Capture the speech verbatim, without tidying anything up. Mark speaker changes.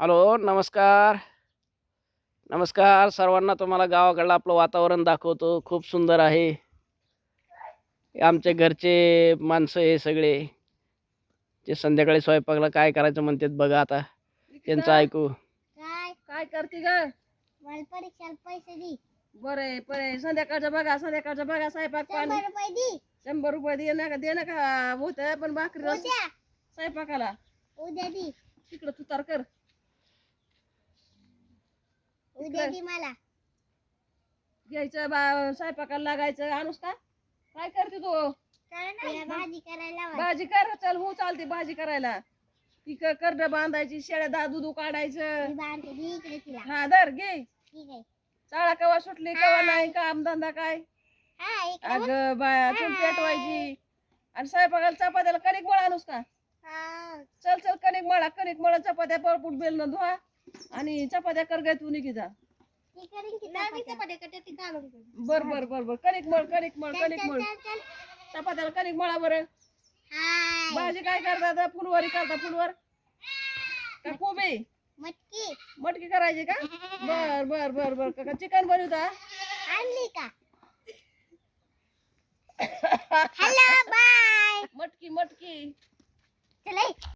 Speaker 1: Hello, नमस्कार. नमस्कार सर्वांना. तुम्हाला गावाकडलं आपलं वातावरण दाखवतो. खूप सुंदर आहे. हे आमच्या घरचे माणसं हे सगळे. ते संध्याकाळी स्वयंपाकाला काय करायचं म्हणतात बघा आता. त्यांचं ऐकू.
Speaker 2: काय
Speaker 3: काय करते ग?
Speaker 2: मला परीक्षाला पैसे दे.
Speaker 3: बरे बरे संध्याकाळचं बघा संध्याकाळचं बघा स्वयंपाक पाणी
Speaker 2: शंभर रुपये दे.
Speaker 3: शंभर रुपये दे ना का दे ना का होत पण भाकरी रस
Speaker 2: उद्या
Speaker 3: स्वयंपाकाला
Speaker 2: उद्या दे.
Speaker 3: तिकडं तुतार कर.
Speaker 2: उद्या दे मला.
Speaker 3: घ्यायचं बा स्वयंपाकाला लागायचं. आणूस का काय करते तू?
Speaker 2: काय नाही भाजी करायला लावा.
Speaker 3: भाजी कर. चल हो चालते भाजी करायला. ती क- करडं बांधायची शेळ्या दा दुधू काढायचं.
Speaker 2: मी बांधते दे इकडे तिला.
Speaker 3: हा धर घे.
Speaker 2: ठीक आहे.
Speaker 3: चाळा कवा सुटली कवा नाही काम धंदा काय.
Speaker 2: हा इकडे बघ.
Speaker 3: अग बाया चूल पेटवायची आणि स्वयंपाकाला चपात्याला कणिक मळा आणूस का?
Speaker 2: हा
Speaker 3: चल चल कणिक मळा कणिक मळा चपात्या पळपुट बेलन धुवा आणि चपात्या कर गाय तू निघी जा.
Speaker 2: ती करीन की नाही चपात्या करते ती घालून.
Speaker 3: बर बर बर बर कणिक मळ कणिक मळ
Speaker 2: चल
Speaker 3: कणिक
Speaker 2: चल
Speaker 3: मळ
Speaker 2: चल चल.
Speaker 3: चपात्याला कणिक मळा बरं.
Speaker 2: हाय
Speaker 3: भाजी काय करता फुलवारी करता फुलवर का कोबी
Speaker 2: मटकी
Speaker 3: मटकी करायची का? बर बर बर बर का चिकन बनवता?
Speaker 2: आणली का? Hello bye.
Speaker 3: मटकी मटकी
Speaker 2: चल